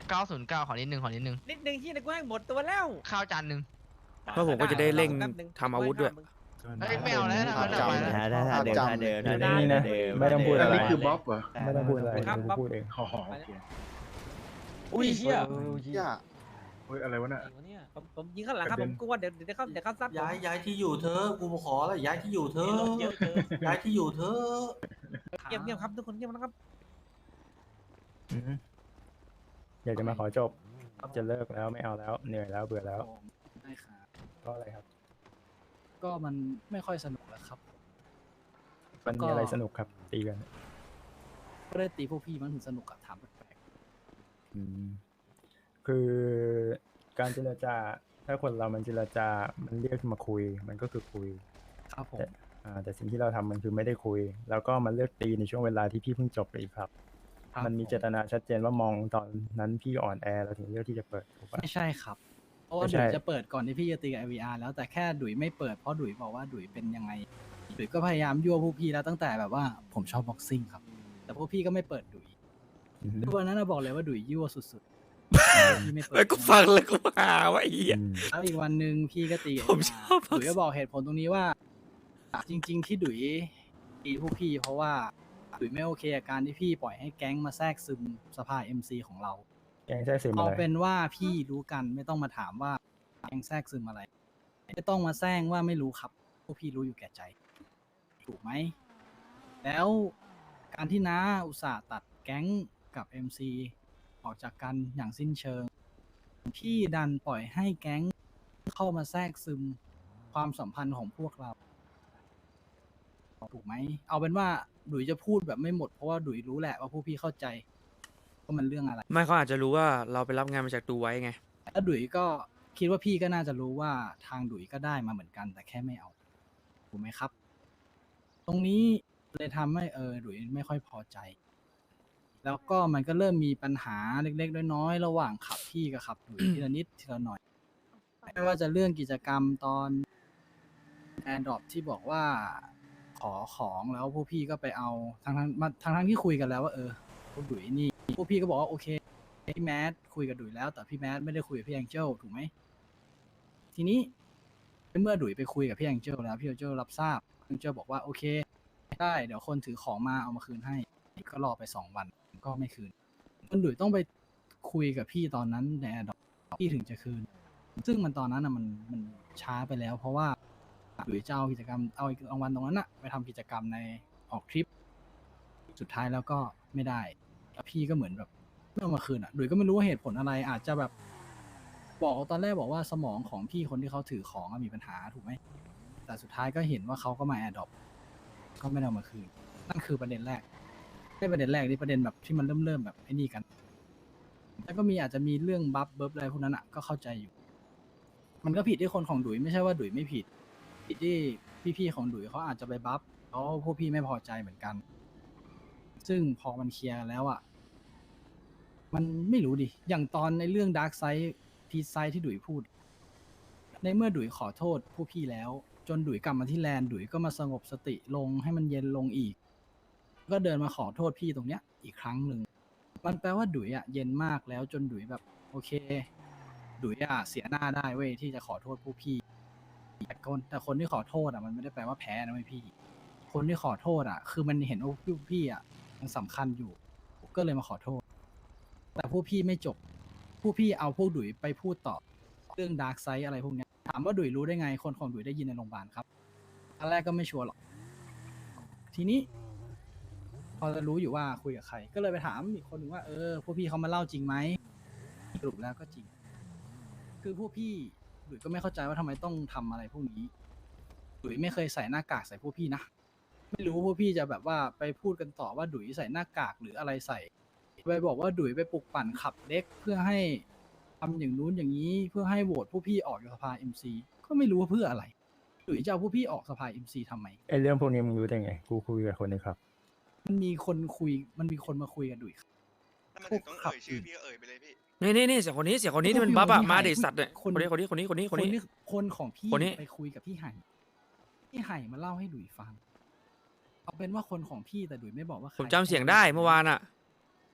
909ขอนิดนึงนิดนึงที่นะกูให้หมดตัวแล้วข้าวจานนึงเพราะผมก็จะได้เร่งทำอาวุธด้วยเฮ้ยไม่เอาแล้วนะเอาแล้วไปแล้วถ้าเดิมถ้าเดิมอยู่นิ่งๆนะไม่ต้องพูดอันอะไรนี้คือบ๊อบเหรอไม่ต้องพูดอะไรกูพูดเองอ๋อโอเคอุ้ยเชี่ยเฮ้ยอะไรวะเนี่ยผมยิงข้างหลังครับผมกลัวเดี๋ยวเขาซัดย้ายที่อยู่เธอกูขอแล้วย้ายที่อยู่เธอเยอะเกินย้ายที่อยู่เธอเงียบครับทุกคนเงียบนะครับอยากจะมาขอจบจะเลิกแล้วไม่เอาแล้วเหนื่อยแล้วเบื่อแล้วได้ครับเพราะอะไรครับก็มันไม่ค่อยสนุกแล้วครับมันมีอะไรสนุกครับตีกันก็ได้ตีพวกพี่มันถึงสนุกอะถามแปลกอืมคือการเจรจาถ้าคนเรามันเจรจามันเรียกมาคุยมันก็คือคุยๆครับผมแต่สิ่งที่เราทำมันคือไม่ได้คุย แล้วก็มันเลือกตีในช่วงเวลาที่พี่เพิ่งจบไปอีกครับครับมันมีเจตนาชัดเจนว่ามองตอนนั้นพี่อ่อนแอเราถึงเลือกที่จะเปิดถูกปะไม่ใช่ครับ เพราะว่าไม่ใช่ดุยจะเปิดก่อนที่พี่จะตีกับ IVR แล้วแต่แค่ดุยไม่เปิดเพราะดุยบอกว่าดุยเป็นยังไงดุยก็พยายามยั่วพวกพี่แล้วตั้งแต่แบบว่าผมชอบบ็อกซิ่งครับ แต่พวกพี่ก็ไม่เปิดดุยอือฮึวันนั้นนะบอกเลยว่าดุยยั่วสุดๆพี่ไม่เปิดแล้วก็ฟังแล้วก็หาว่าไอ้เหี้ยอืมแล้วอีกวันหนึ่งพี่ก็ตีกับผม IVR ชอบบ็อกซิ่งดุยก็บอกเหตุผลตรงนี้ว่า จริง ๆ ที่ดุยตีพวกพี่ เพราะว่าดุยไม่โอเคกับการที่พี่ปล่อยให้แก๊งมาแทรกซึมสภา MC ของเราแกงแท้ซึมเอาอะไรเป็นว่าพี่รู้กันไม่ต้องมาถามว่าแก๊งแทรกซึมอะไร ไม่ต้องมาแซงว่าไม่รู้ครับพวกพี่รู้อยู่แก่ใจ ถูกไหม แล้วการที่น้าอุตส่าห์ตัดแก๊งกับ MC ออกจากกันอย่างสิ้นเชิง พี่ดันปล่อยให้แก๊งเข้ามาแทรกซึมความสัมพันธ์ของพวกเรา ถูกไหม เอาเป็นว่าดุยจะพูดแบบไม่หมดเพราะว่าดุยรู้แหละว่าพวกพี่เข้าใจว่ามันเรื่องอะไรไม่เขาอาจจะรู้ว่าเราไปรับงานมาจากดูไว้ไงแล้วดุยก็คิดว่าพี่ก็น่าจะรู้ว่าทางดุยก็ได้มาเหมือนกัน แต่แค่ไม่เอาถูกไหมครับ ตรงนี้เลยทำให้ดุยไม่ค่อยพอใจ แล้วก็มันก็เริ่มมีปัญหาเล็กๆน้อยๆระหว่างขับพี่กับขับดุยทีละนิดทีละหน่อย ไม่ว่าจะเรื่องกิจกรรมตอนแอนดรอปที่บอกว่าขอของแล้วพวกพี่ก็ไปเอาทั้งที่คุยกันแล้วว่าพวกดุยนี่พวกพี่ก็บอกว่าโอเคพี่แมทคุยกับดุยแล้วแต่พี่แมทไม่ได้คุยกับพี่แองเจิลถูกไหมทีนี้เมื่อดุยไปคุยกับพี่แองเจิลแล้วพี่แองเจิลรับทราบพี่แองเจิลบอกว่าโอเคได้เดี๋ยวคนถือของมาเอามาคืนให้ก็รอไป2 วันก็ไม่คืนจนดุยต้องไปคุยกับพี่ตอนนั้นในแอนดรอปพี่ถึงจะคืน ซึ่งมันตอนนั้นมันช้าไปแล้ว เพราะว่าดุยจะเอากิจกรรมเอารางวัลตรงนั้นอะไปทำกิจกรรมในออกทริป สุดท้ายแล้วก็ไม่ได้แล้วพี่ก็เหมือนแบบไม่เอามาคืนอะดุยก็ไม่รู้ว่าเหตุผลอะไรอาจจะแบบบอกตอนแรกบอกว่าสมองของพี่คนที่เขาถือของอะมีปัญหาถูกไหมแต่สุดท้ายก็เห็นว่าเขาก็มาแอดดอปก็ไม่ได้เอามาคืนนั่นคือประเด็นแรกไม่ประเด็นแรกนี่ประเด็นแบบที่มันเริ่มแบบไอ้นี่กันแล้วก็มีอาจจะมีเรื่องบัฟเบิร์ฟอะไรพวกนั้นอะก็เข้าใจอยู่ มันก็ผิดที่คนของดุยไม่ใช่ว่าดุยไม่ผิดผิดที่พี่ๆของดุยเขาอาจจะไปบัฟแล้วพวกพี่ไม่พอใจเหมือนกัน ซึ่งพอมันเคลียร์กันแล้วอ่ะมันไม่รู้ดิอย่างตอนในเรื่องดาร์กไซด์พีซไซด์ที่ดุยพูด ในเมื่อดุยขอโทษผู้พี่แล้ว จนดุยกลับมาที่แลนด์ดุยก็มาสงบสติลงให้มันเย็นลงอีก ก็เดินมาขอโทษพี่ตรงเนี้ยอีกครั้งหนึ่งมันแปลว่าดุยอ่ะเย็นมากแล้วจนดุยแบบโอเค ดุยอะเสียหน้าได้เว้ยที่จะขอโทษผู้พี่แต่คนที่ขอโทษอะมันไม่ได้แปลว่าแพ้นะเว้ยพี่ คนที่ขอโทษอะคือมันเห็นว่าผู้พี่อะยังสำคัญอยู่ก็เลยมาขอโทษ แต่ผู้พี่ไม่จบ ผู้พี่เอาพวกดุยไปพูดต่อเรื่องดาร์กไซด์อะไรพวกเนี้ยถามว่าดุยรู้ได้ไงคนของดุยได้ยินในโรงพยาบาลครับตอนแรกก็ไม่ชัวร์หรอกทีนี้ พอจะรู้อยู่ว่าคุยกับใคร ก็เลยไปถามอีกคนหนึ่งว่าพวกพี่เขามาเล่าจริงไหมสรุปแล้วก็จริง คือพวกพี่ดุยก็ไม่เข้าใจว่าทำไมต้องทำอะไรพวกนี้ดุยไม่เคยใส่หน้ากากใส่พวกพี่นะไม่รู้ว่าพวกพี่จะแบบว่าไปพูดกันต่อว่าดุยใส่หน้ากากหรืออะไรใส่ไปบอกว่าดุยไปปลุกปั่นขับเด็กเพื่อให้ทำอย่างนู้นอย่างนี้เพื่อให้โหวตพวกพี่ออกจากสภา MC ก็ไม่รู้ว่าเพื่ออะไรดุยจะเอาพวกพี่ออกสภา MC ทำไมไอเรื่องพวกนี้มึงรู้ได้ไงกูคุยกับคนในครับมันมีคนมาคุยกับดุยถ้ามันถึงต้องเอ่ยชื่อพี่ก็เอ่ยไปเลยพี่นี่เสียคนนี้ที่มันบัฟอะมาเด็สัตว์เนี่ยคน คนของพี่คนนี้ไปคุยกับพี่ไห่มาเล่าให้ดุยฟัง เอาเป็นว่าคนของพี่แต่ดุยไม่บอกว่าใครผมจำเสียงได้เมื่อวานอะ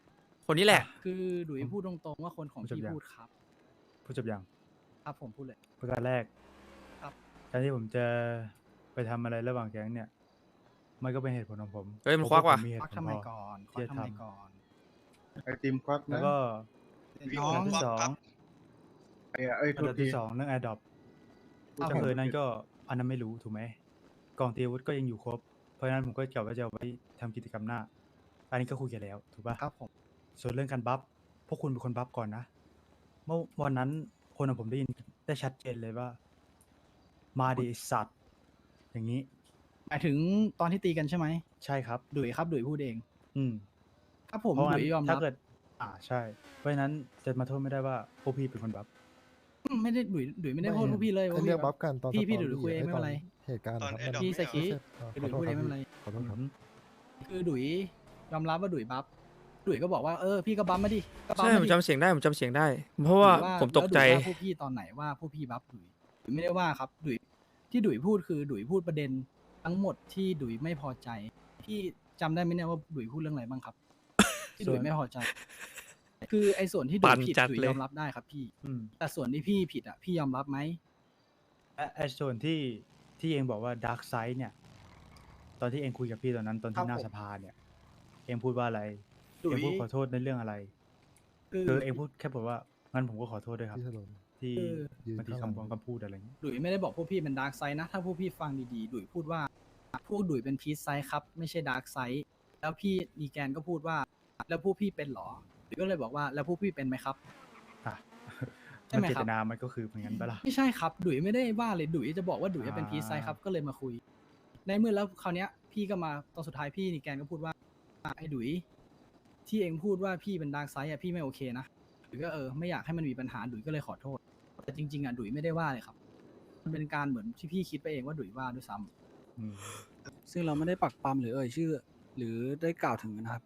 คนนี้แหละคือดุยพูดตรงๆว่าคนของพี่พูดครับพูดจบยังครับผมพูดเลยประการแรกครับการที่ผมจะไปทำอะไรระหว่างแก๊งเนี่ย มันก็เป็นเหตุผลของผมเฮ้ยมันควักว่ะผมมีเหตุควักผลทำไมพอก่อนคที่วักจะทำไมทำก่อนไอติมควักแล้วนะก็พี่น้อโอง มที่ควักสองครับไอ้อัตันวดับทีที่สองเรื่อง Adopt ครับก็คือนั่นก็อันนั้นไม่รู้ถูกไหมกล่องตีอาวุธก็ยังอยู่ครบ เพราะฉะนั้นผมก็กะว่าจะเอาไว้ทำกิจกรรมหน้า อันนี้ก็คุยกันแล้วถูกป่ะครับผมส่วนเรื่องการบัฟพวกคุณเป็นคนบัฟก่อนนะ เมื่อวันนั้นคนของผมได้ยินได้ชัดเจนเลยว่า มาดิไอ้สัตว์ อย่างนี้หมายถึงตอนที่ตีกันใช่ไหมใช่ครับดุยครับดุยพูดเองอืมครับผมเพราะดุงั้นยยอมรัถ้าบเกิด ใช่ เพราะฉะนั้นจะมาโทษไม่ได้ว่าพวกพี่เป็นคนบัฟไม่ได้ดุยไม่ได้พูดพวกพี่เลยเขาเรียกบัฟกันตอนพี่สตอดุยคุยเองไม่เป็นไรเหตุการณ์ตอนครับ Adopt พี่สกีขดุอย โทพูษดคเองรับไม่เป็นไรขอโทษครับคือดุยยอมรับว่าดุยบัฟดุยก็บอกว่าพี่ก็บัฟมาดิก็บัฟใช่มาผมดิจำเสียงได้ผมจำเสียงได้ เพราะว่าดุยผมตกใจแล้วดุยว่าพวกพี่ตอนไหนว่าพวกพี่บัฟดุยไม่ได้ว่าครับดุยที่ดุยพูดคือดุยพูดประเด็นทั้งหมดที่ดุยไม่พอใจพี่จำได้ไหมเนี่ยว่าดุยพูดเรื่องอะไรบ้างครับ ที่ดุยไม่พอใจ คือไอ้ส่วนที่ดุปั่ยนผิดจัดดุยเลยยอมรับได้ครับพี่อืมแต่ส่วนที่พี่ผิดอ่ะพี่ยอมรับไหมและไอ้ส่วนที่เองบอกว่าดาร์กไซด์เนี่ย ตอนที่เองคุยกับพี่ตอนนั้นตอนครัที่บหน้าผมสภาเนี่ย เองพูดว่าอะไรดุเอย งพูดขอโทษในเรื่องอะไรคือคือเองพูดแค่บอกว่างั้นผมก็ขอโทษด้วยครับพี่ถนนที่ยืนบางทีข้างหลังคำพูดอะไรอย่างนี้ดุยไม่ได้บอกพวกพี่เป็นดาร์กไซด์นะ ถ้าพวกพี่ฟังดีๆดุยพูดว่า พวกดุยเป็นพีซไซด์ครับ ไม่ใช่ดาร์กไซด์แล้วพี่นีแกนก็พูดว่า แล้วพวกพี่เป็นเหรอดุยก็เลยบอกว่าแล้วพวกพี่เป็นไหมครับอ่ะใช่มันไหมเจครัตบนามันก็คือเหมือนกันปะล่ะไม่ใช่ครับ ดุยไม่ได้ว่าเลยดุยจะบอกว่าดุยเป็นอ่าพีซไซด์ครับก็เลยมาคุย ในเมื่อแล้วคราวเนี้ยพี่ก็มาตอนสุดท้ายพี่นีแกนก็พูดว่าไอ้ดุยที่เองพูดว่าพี่เป็นดาร์กไซด์อะพี่ไม่โอเคนะดุยก็ไม่อยากให้มันมีปัญหาดุยก็เลยขอโทษ แต่จริงๆอ่ะดุยไม่ได้ว่าเลยครับ มันเป็นการเหมือนที่พี่คิดไปเองว่าดุยว่าด้วยซ้ำอืมซึ่งเราไม่ได้ปักปั๊มหรือเอ่ยชื่อ หรือได้กล่าวถึงนะครับ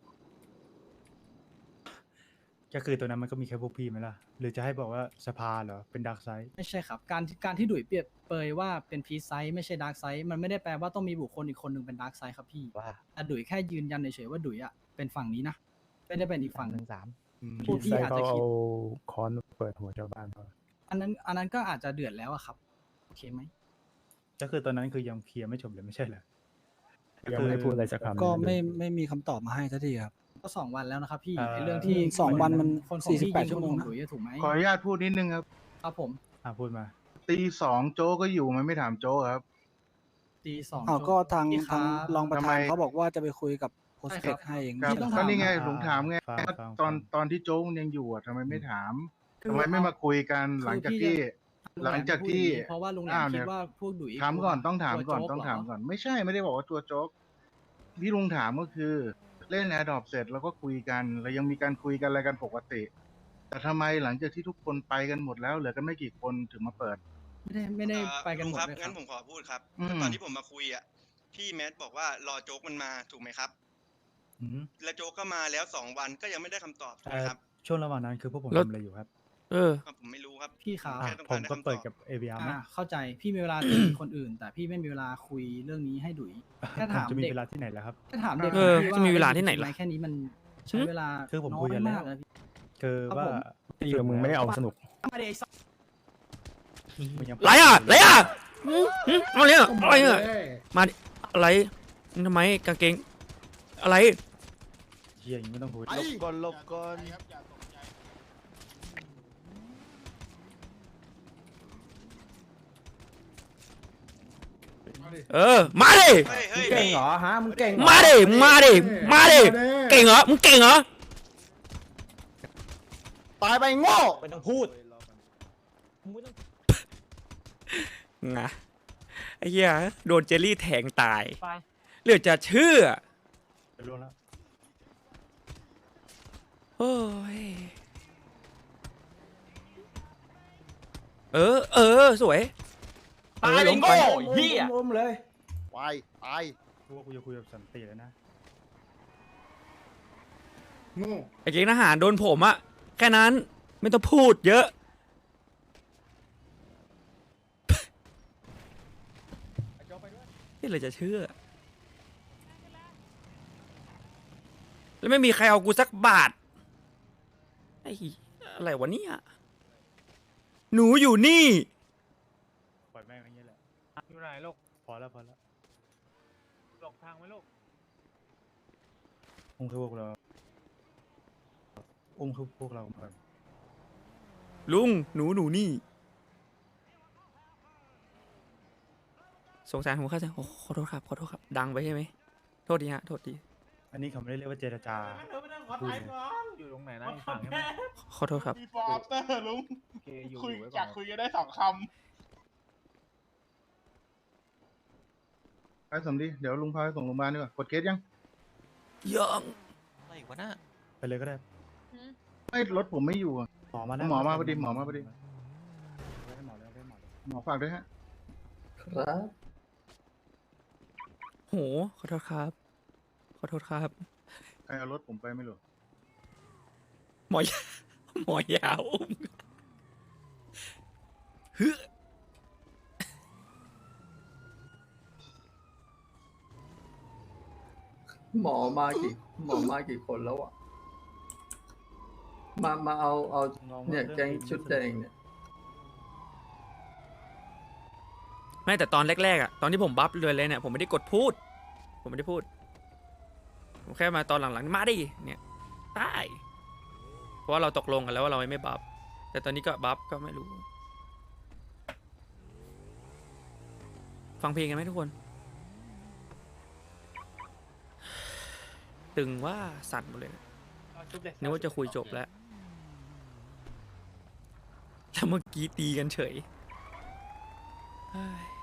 ก็คือตัวนั้นมันก็มีแค่พวกพี่ไหมล่ะ หรือจะให้บอกว่าสภาเหรอ เป็นดาร์กไซด์ไม่ใช่ครับ การที่ดุยเปรียบเปยว่าเป็นพีซไซส์ไม่ใช่ดาร์กไซส์มันไม่ได้แปลว่าต้องมีบุคคลอีกคนหนึ่งเป็นดาร์กไซส์ครับพี่แต่ดุยแค่ยืนยันเฉยๆว่าดุยอ่ะเป็นฝั่งนี้นะไม่ได้เป็นอีกฝั่งหนึ่งอืมพวกพี่ใช่อาจเขาจะคิดเอาค้อนเปิดหัวชาวบ้านเขาอันนั้นก็อาจจะเดือดแล้วอะครับโอเคไหมก็คือตอนนั้นคือยังเคลียร์ไม่จบเลยไม่ใช่เหรอยังไม่ได้พูดอะไรสักคำก็เลยไม่มีคำตอบมาให้สักทีครับก็2 วันแล้วนะครับพี่เอ่อไอ้เรื่องที่ 2 วันมันคนของพี่ 48 ยิงชั่วโมงคนนะของดุยอะถูกไหมขออนุญาตพูดนิดนึงครับครับผมพูดมาตีสองโจ๊กก็อยู่มันไม่ถามโจ๊กครับตีสองอ้าวก็ทางพี่คทางบรองประทำธาไมนเขาบอกว่าจะไปคุยกับโพสใช่เทครัคบให้เองครับพี่ต้องก็ถามนี่ไงอ่าผมถามไงฟังว่าฟังตอนที่โจ๊กยังอยู่อะทำไมไม่ถามคือทำไมไม่มาคุยกันหลังจากที่คือพี่หลังจากที่เพราะว่าลุงแหลมอ้าวคิเนี่ดยว่าพวกดุยถามก่อนต้องถามก่อนวโจ๊ต้องถามเหรก่อน ไม่ใช่ไม่ได้บอกว่าตัวโจ๊กที่ลุงถามก็คือ เล่นแอร์ดรอปเสร็จแล้วก็คุยกันแล้วยังมีการคุยกันอะไรกันปกติ แต่ทำไมหลังจากที่ทุกคนไปกันหมดแล้วเหลือกันไม่กี่คนถึงมาเปิดไม่ได้ไปกันหมดลุงครับเลยครังั้บนผมขอพูดครับอืมตอนที่ผมมาคุยอ่ะพี่แมทบอกว่ารอโจ๊กมันมาถูกไหมครับอืมแล้วโจ๊กก็มาแล้ว2 วันก็ยังไม่ได้คำตอบถูกไหมครับช่วงระหว่างนั้นคือพวกผมแล้วทำอะไรอยู่ครับครับผมไม่รู้ครับพี่ครับอ่ะแค่ต้องผการมได้ก็คำตเปิดอบกับ ABR ไหมเข้าใจพี่มีเวลาตีคนอื่น แต่พี่ไม่มีเวลาคุยเรื่องนี้ให้ดุยแค่ถามจะมีเด็กเวลาที่ไหนแล้วครับแค่ถามเด็กเออพี่จะมีเวลาที่ไหนล่ะแค่นี้มันใช้เวลาคือผมน้คุยกันแล้วมากนะพี่คือครับว่าผมตีกับมึงไม่ได้เอาสนุกมันยังไรอ่ะไรอ่ะอะไรเนี่ยอะไรเนี่ยมาดิอะไรนี่ทำไมกางเกงอะไรเฮียยังไม่ต้องพูดก่อนหลบก่อนมาดิเฮ้ยเฮ้ยเก่งพี่เหรอฮะมึงเก่งเหรอมาดิมาดิมาดิเก่งเหรอมึงเก่งเหรอตายไปโง่ไม่ต้องพูดงะไอ้เหี้ยโดนเจลลี่แทงตายไปเหลือจะเชื่อไปล่วงแล้วโอ้ยสวยตายไปโง่เหี้ยอุ้มเลยไปตายกูว่ากูจะคุยกับสันติแล้วนะไอ้เก่งทหารโดนผมอะแค่นั้นไม่ต้องพูดเยอะ นี่เลยจะเชื่อ แล้วไม่มีใครเอากูสักบาทอ้อะไรวะเนี่ยหนูอยู่นี่ปล่อยแม่งอย่างนี้แหละอยู่ไหนลูกพอแล้วพอแล้วหลบทางไหมลูกอุ้มคือพวกเราอุ้มคือพวกเรามาลุงหนูนี่สงสารผมเข้าใจโอ้ขอโทษครับดังไปใช่ไหมโทษทีฮะโทษทีอันนี้เขาไม่ได้เรียกว่าเจรจาพูดเลยอยู่ตรงไหนนะอีกฝั่งใช่ไหมขอโทษครับมีฟอร์อัปเตอร์ลุงโอเคอยู่คุยไว้อก่ยาอก นคุยกันได้2 คำไปสมดีเดี๋ยวลุงพาไปส่งโรงพยาบาลดีกว่ากดเคสยังยังอะไรวะน่ะไปเลยก็ได้ไม่รถผมไม่อยู่อะหมอมาแล้วหมอมาพอดีหมอมาพอดีได้หมอแล้วได้หมอแล้วหมอฝากด้วยฮะครับโหขอโทษครับใครเอารถผมไปไม่รู้หมอยาวอุ้มฮึหมอมากี่คนแล้วอ่ะมาเอาเนี่ยแก๊งชุดแดงเนี่ยไม่แต่ตอนแรกๆอ่ะตอนที่ผมบัฟเลยเนี่ยผมไม่ได้กดพูด ผมแค่มาตอนหลังๆมาดิเนี่ยได้เพราะว่าเราตกลงกันแล้วว่าเราไม่บัฟแต่ตอนนี้ก็บัฟก็ไม่รู้ฟังเพลงกันไหมทุกคนตึงว่าสั่นหมดเลยนึกว่าจะคุยจบแล้วเมื่อกี้ตีกันเฉยเฮ้ย